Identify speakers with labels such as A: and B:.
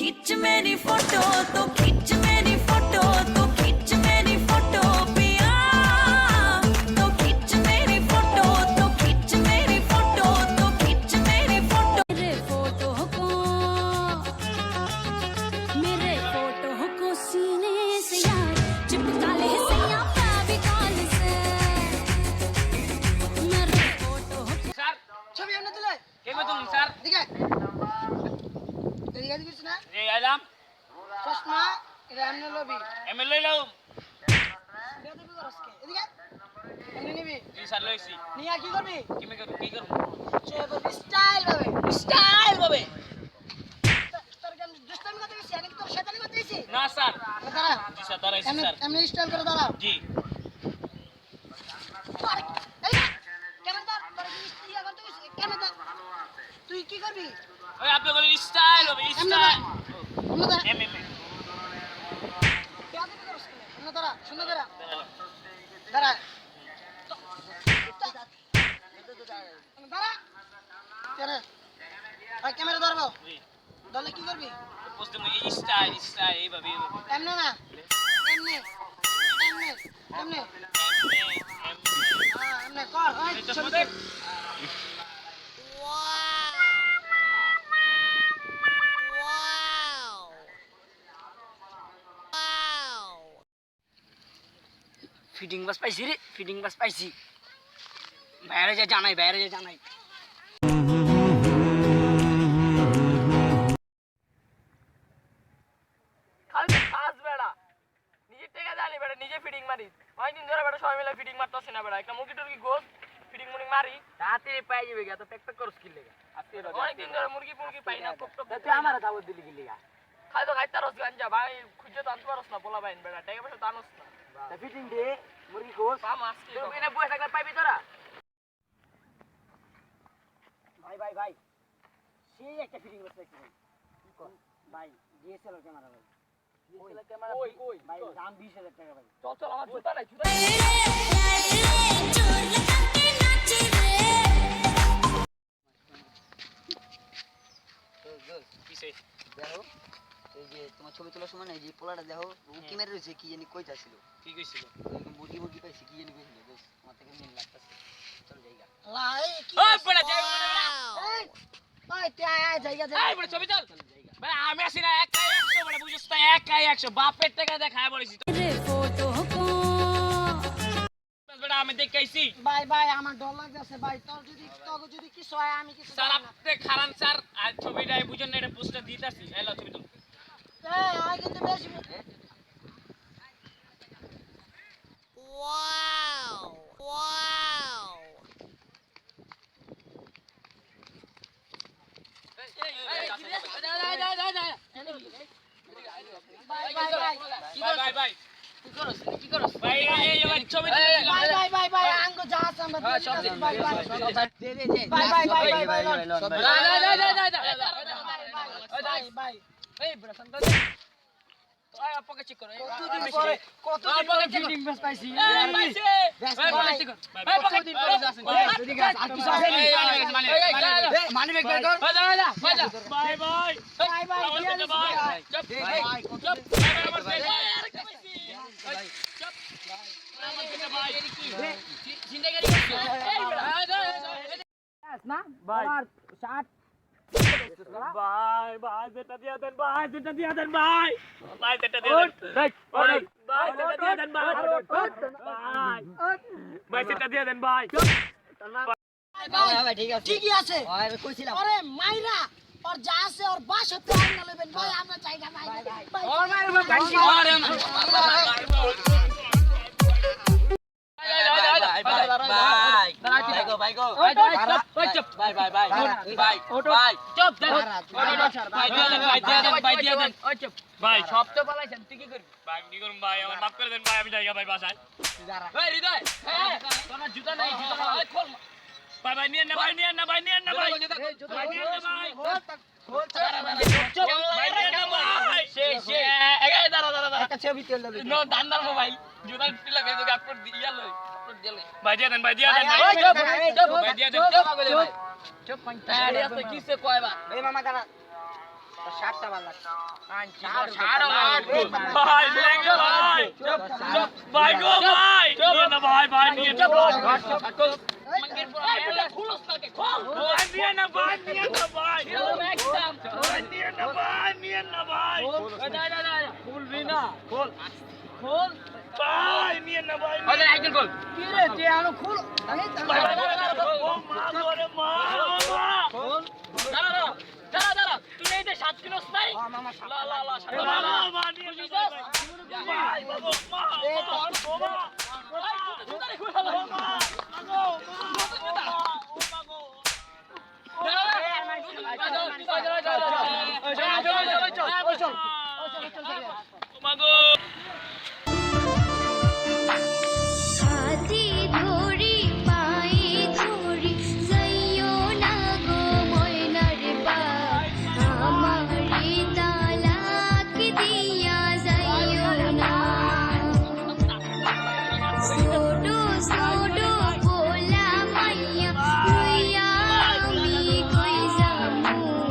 A: खींच मेरी फोटो तो खींच मेरी फोटो तो खींच मेरी फोटो पिया तो खींच मेरी फोटो तो खींच मेरी फोटो तो खींच मेरी फोटो मेरे फोटो को सीने से यार चिपका ले सैया फेविकॉल से मेरे फोटो
B: স্যার
C: ছবি এনে দিলে
B: কেমন তুমি স্যার
C: দিকে এদিকে দিছিস না
B: এই আইলাম
C: চশমা এটা এমনি লবি
B: এমএলএ লও
C: বেদবি করস কে এদিকে এমনি নিবি
B: জি স্যার লইছি
C: নিয়া কি করবি
B: কি করব
C: চেয়ে করবি স্টাইল ভাবে তোর কেন দুষ্টামি করতে গেছিস নাকি তোর শয়তানি করতে গেছিস
B: না স্যার
C: দাঁড়া
B: জি স্যার দাঁড়াইছি
C: এমনি
B: স্যার
C: এমনি স্টাইল করে দাঁড়া
B: জি
C: এই কেমন তোর ইয়া করতে গেছিস কেমন তুই কি করবি
B: ওই আপনি বলেন স্টাইল হবে
C: এমনি
B: স্টাইল
C: এমনি দাঁড়া
B: এমএমএ
C: বেদবি করস কে এমনি দাঁড়া শুনে দাঁড়া দাঁড়া দাঁড়া কেন ভাই ক্যামেরা ধরবো
B: জি
C: ধরলে কি করবি
B: বুঝতে মই স্টাইল এইভাবে
C: এমনি না এমনি এমনি এমনি হ্যাঁ এমনি কর হয় ছবি তুল।
D: ফিটিং বাস পাইছি রে ফিটিং বাস পাইছি বাইরে যা জানাই
E: খালি ফাস বেড়া নিজে টেকা জানি বেড়া নিজে ফিটিং মারি অনেকদিন ধরে বেড়া সবাই মিলে ফিটিং মারতেছে না বেড়া একটা মুরগি টুরগি গোস ফিটিং মুরগি মারি
D: তাড়াতাড়ি পাই যাবে গা তো প্যাক প্যাক করস কি লেগা
E: অনেকদিন ধরে মুরগি মুরগি পাই না টপ টপ
D: তুই আমার দাওয়াত দিলি কি লেগা
E: খাই তো খাইতে রস গাঞ্জা ভাই খুঁজে তো আনতে পারস না বলা ভাই বেড়া টেকা পয়সা তো আনস না
D: তা ফিটিং দে মুরগি কোস
E: পা মাসকে
D: তোর বিনা বসে থাকলে পাইবি তোরা ভাই সেই একটা ফিটিং বাস পাইছি ভাই ডিএসএলআর ক্যামেরা ভাই ডিএসএলআর ক্যামেরা
E: কই
D: ভাই দাম 20000 টাকা ভাই
E: চল আমার জুতা নাই জুতা
A: चोर लगा के नाचे रे
B: কিসে
D: দেখো এই যে তোমার ছবি তোলার সময় না এই যে পোলাটা দেখো উকি মেরে রয়েছে কি জানি কইতা ছিল
B: কি কইছিল
D: মুরগি পাইছি কি জানি কইছিল দোস তোমার থেকে মিল লাগতাছে চল যাইগা
C: লাই কি
B: ওই বড় যাই
C: এই ওই তুই আয় জায়গা যা
B: এই বড় ছবি তোল ভাই আমি আসি না একাই 100 বড় বুঝছ তো একাই 100 বাপের টাকা দেখায় বলেছি তো
A: मेरे फोटो को
B: বড় আমি দেখাইছি
C: ভাই আমার ডর লাগতেছে ভাই তোর যদি কিছু হয় আমি কিছু
B: স্যার আপনি খারান স্যার আর ছবিটাই বুঝেন না এটা পোস্টার দিতাছি এই লও ছবি তোল
C: এই আয় কিন্তু বেশি
B: ভাই কি করছ ভাই এই ছবি
C: ভাই আঙ্গো যা আছে আমরা সব ভাই
D: দে
C: ভাই
E: এই বড় সন্তান ওই আপকে চেক করো
C: কতদিন পরে ফিটিং বেস পাইছি
E: কতদিন পরে যাচ্ছেন
D: মানি ব্যাগ বের কর
B: বাই
D: না ভাই শার্ট
B: ভাই যেটা দিয়া দেন ভাই যেটা দিয়া দেন ভাই যেটা দিয়া দেন ভাই যেটা দিয়া দেন ভাই যেটা দিয়া দেন ভাই
D: ভাই ঠিক আছে
C: ঠিকই আছে
D: ওই কইছিলাম
C: আরে মাইরা और যা আছে और বাস হতে আর না লবেন ভাই আমরা জায়গা নাই ভাই
D: ওর মারবে ভাই
B: ভাই
E: সব তো পালাইছেন তুই কি করবি
B: ভাই কি করুন ভাই আমার মাফ করে দেন ভাই আমি জায়গা ভাই বাসায়
E: এই হৃদয় তোমার জুতা নাই জুতা নাই খোল
B: ভাই নিয়ে না ভাই নিয়ে না ভাই নিয়ে না ভাই নিয়ে না ভাই ভাই নিয়ে না ভাই
E: এই দাঁড়া
D: একটা ছবি তুলে দিবি
E: নো দান্দার মোবাইল জুতা টিলা কে তো আপলোড দিয়া লই আপলোড দিয়া লই
B: ভাই দিয়ে দেন ভাই দিয়ে দেন ভাই
E: চুপ
B: ভাই দিয়ে দেন
E: চুপ কিসে কয়বার
D: এই মামা দাঁড়া শার্টটা ভালো লাগছে
B: ভাই লেগে ভাই ভাই গো ভাই নিয়ে না ভাই ভাই নিয়ে না ভাই নিয়ে না ভাই নিয়ে না ভাই নিয়ে না ভাই নিয়ে না ভাই খুলবি না খোল খোল ভাই নিয়ে না ভাই
D: কি রে তুই আনো খুল আমি তো
B: ভাই ও মা করে মা
E: তুই এই যে 7 কিলো নাই
D: মামা
E: লা লা লা
B: মা নিয়ে না ভাই বাবা মা
D: চল